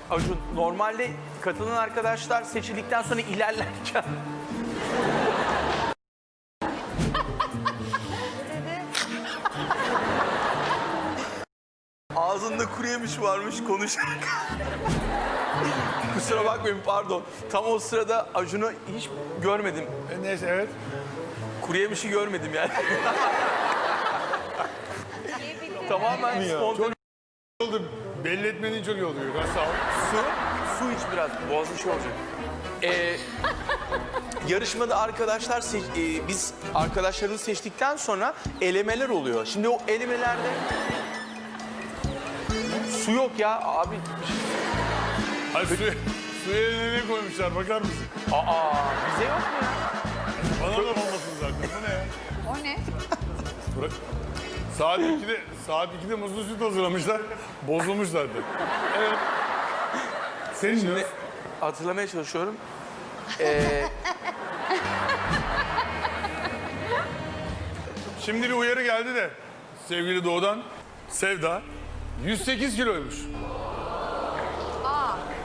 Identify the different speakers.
Speaker 1: Acun, normalde katılan arkadaşlar seçildikten sonra ilerlerken... Ağzında kuru yemiş varmış konuşurken. Kusura bakmayın, pardon. Tam o sırada Acun'u hiç görmedim.
Speaker 2: Neyse, evet.
Speaker 1: Kuru yemişi görmedim yani. Tamamen spontane.
Speaker 2: Oldu. Belli etmediğin çok iyi oluyor. Sağ ol.
Speaker 1: Su iç biraz, boğazın şey olacak. Yarışmada arkadaşlar, biz arkadaşlarımızı seçtikten sonra elemeler oluyor. Şimdi o elemelerde su yok ya abi.
Speaker 2: Hayır, suya ne koymuşlar, bakar mısın?
Speaker 1: Aa, bize yok mu ya?
Speaker 2: Bana da olmasın zaten. Bu ne ya?
Speaker 3: O ne?
Speaker 2: Bırak. Saat 2'de muzlu süt hazırlamışlar. Bozulmuşlardı. Evet. Senin ne?
Speaker 1: Hatırlamaya çalışıyorum.
Speaker 2: Şimdi bir uyarı geldi de sevgili Doğu'dan. Sevda 108 kiloymuş.